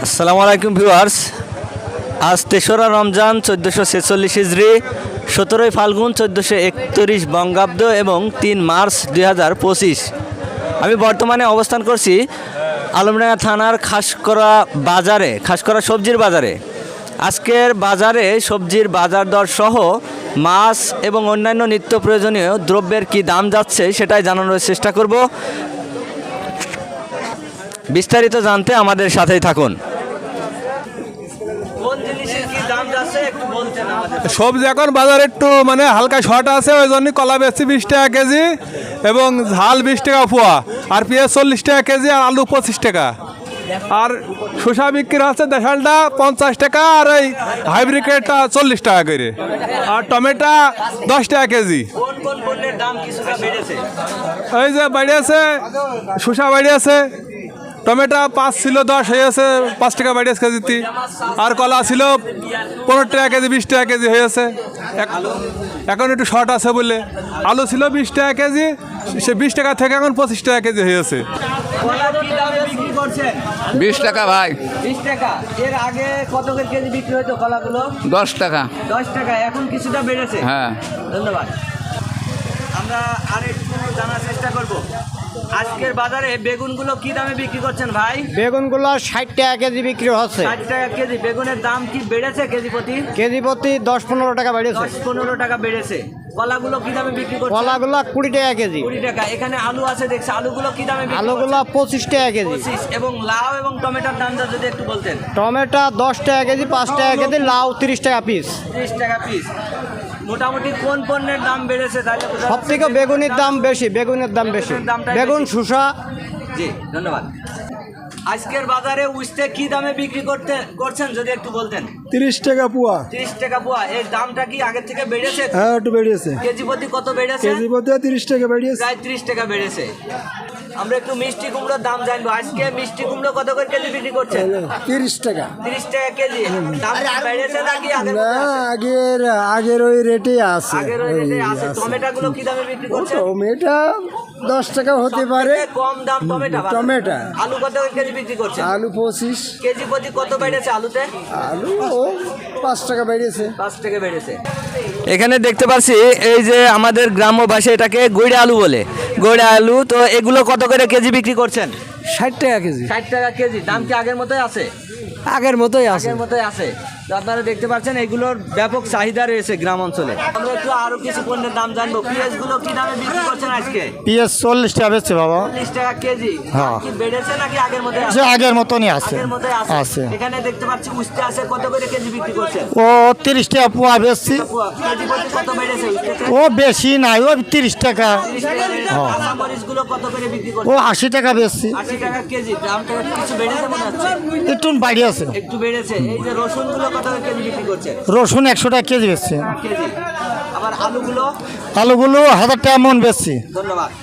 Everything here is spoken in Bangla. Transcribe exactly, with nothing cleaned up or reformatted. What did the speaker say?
আসসালামু আলাইকুম ভিউয়ার্স, আজ তেসরা রমজান চোদ্দোশো ছেচল্লিশ হিজড়ি, সতেরোই ফাল্গুন চোদ্দোশো একত্রিশ বঙ্গাব্দ এবং তিন মার্চ দুই হাজার পঁচিশ। আমি বর্তমানে অবস্থান করছি আলমডাঙ্গা থানার খাসকরা বাজারে, খাসকরা সবজির বাজারে। আজকের বাজারে সবজির বাজার দর সহ মাছ এবং অন্যান্য নিত্য প্রয়োজনীয় দ্রব্যের কি দাম যাচ্ছে সেটাই জানানোর চেষ্টা করব। বিস্তারিত জানতে আমাদের সাথেই থাকুন। সবজি এখন বাজারে একটু মানে হালকা শর্ট আছে, ওই জন্য কলা বেচছি বিশ টাকা কেজি এবং ঝাল বিশ টাকা পোয়া, আর পেঁয়াজ চল্লিশ টাকা কেজি, আর আলু পঁচিশ টাকা, আর শসা বিক্রি হচ্ছে দেশালটা পঞ্চাশ টাকা, আর এই হাইব্রিডটা চল্লিশ টাকা করে, আর টমেটো দশ টাকা কেজি। এই যে বাড়িয়েছে শসা বাড়িয়েছে, টমেটো পাঁচ ছিল দশ হয়েছে পাঁচ টাকা বাড়িয়েছে কেজিতে, আর কলা ছিল পনেরো টাকা কেজি বিশ টাকা কেজি হয়েছে। এখন একটু শর্ট আছে বলে আলু ছিল বিশ টাকা কেজি, সে বিশ টাকা থেকে এখন পঁচিশ টাকা কেজি হয়েছে। বিশ টাকা ভাই। বিশ টাকা। এর আগে কত করে কেজি বিক্রি হতো কলাগুলো? দশ টাকা। দশ টাকা, এখন কিছুটা বেড়েছে। হ্যাঁ, ধন্যবাদ। আমরা আর একটু জানার চেষ্টা করব, আজকের বাজারে বেগুনগুলো কি দামে বিক্রি করছেন ভাই? বেগুনগুলো ষাট টাকা কেজি বিক্রি হচ্ছে। ষাট টাকা কেজি। বেগুনের দাম কি বেড়েছে কেজি প্রতি? কেজি প্রতি দশ পনেরো টাকা বেড়েছে। দশ পনেরো টাকা বেড়েছে। কলাগুলো কি দামে বিক্রি করছেন? কলাগুলো কুড়ি টাকা কেজি। কুড়ি টাকা। এখানে আলু আছে দেখছি, আলুগুলো কি দামে বিক্রি আলুগুলো করছেন? পঁচিশ টাকা কেজি। পঁচিশ। এবং লাউ এবং টমেটোর দামটা যদি একটু বলতেন। টমেটো দশ টাকা কেজি, পাঁচ টাকা কেজি, লাউ তিরিশ টাকা পিস। ত্রিশ টাকা পিস। মোটামুটি কোন পণ্যের দাম বেড়েছে তাহলে? সব থেকে বেগুনের দাম বেশি, বেগুনের দাম বেশি, বেগুন শসা। জি ধন্যবাদ। আজকের বাজারে উস্তে কি দামে বিক্রি করতে করছেন যদি একটু বলতেন? তিরিশ টাকা পোয়া। তিরিশ টাকা পোয়া। এর দামটা কি আগের থেকে বেড়েছে? হ্যাঁ, একটু বেড়েছে। কেজি প্রতি কত বেড়েছে? কেজি প্রতি তিরিশ টাকা বেড়েছে। প্রায় ত্রিশ টাকা বেড়েছে। আমরা একটু মিষ্টি কুমড়োর দাম জানবো। আজকে মিষ্টি কুমড়ো কত করে কেজি বিক্রি করছেন? তিরিশ টাকা। তিরিশ টাকা কেজি। দাম কি বেড়েছে নাকি আগের মতো আছে? আগের আগের ওই রেটে আছে। আগের ওই রেটে আছে। টমেটোগুলো কি দামে বিক্রি করছেন? টমেটো দশ টাকা হতে পারে। সবথেকে কম দাম টমেটো। টমেটো। আলু কত করে কেজি বিক্রি করছেন? আলু পঁচিশ। কেজি প্রতি কত বেড়েছে আলুতে? আলু পাঁচ টাকা বেড়েছে। পাঁচ টাকা বেড়েছে। এখানে দেখতে পাচ্ছি এই যে আমাদের গ্রাম্য ভাষায় এটাকে গৈড়া আলু বলে। গৈড়া আলু। তো এগুলো কত করে কেজি বিক্রি করছেন? ষাট টাকা কেজি। ষাট টাকা কেজি। দাম কি আগের মতোই আছে? আগের মতোই আছে। আগের মতোই আছে। তো আপনারা দেখতে পাচ্ছেন এগুলোর ব্যাপক চাহিদা রয়েছে গ্রাম অঞ্চলে। আমরা একটু আরো কিছু পণ্যের দাম জানবো। পেঁয়াজ গুলো কি দামে বিক্রি করছেন আজকে? পেঁয়াজ চল্লিশ টাকা বেচছে বাবা। চল্লিশ টাকা কেজি। হ্যাঁ। কি বেড়েছে নাকি আগের মতোই আছে? আগের মতনই আছে। আগের মতোই আছে। আছে। এখানে দেখতে পাচ্ছি উস্তে আছে, কত করে কেজি বিক্রি করছেন? ও তিরিশ টাকা পোয়া বেচছি। কেজি প্রতি কত বেড়েছে উস্তেতে? ও বেশি নাই, ও তিরিশ টাকা। তিরিশ টাকা বেড়েছে। কাঁচা মরিচ গুলো কত করে বিক্রি ও করছেন? আশি টাকা বেচছি। আশি টাকা কেজি। দামটা কিছু বেড়েছে মনে হচ্ছে? একটু বাড়ি আছে। একটু বেড়েছে। এই যে রসুন গুলো কত করে কেজি বিক্রি করছেন? রসুন একশো টাকা কেজি বেচছে। কেজি। আবার আলুগুলো? আলুগুলো হাজার টাকা মন বেচছি। ধন্যবাদ।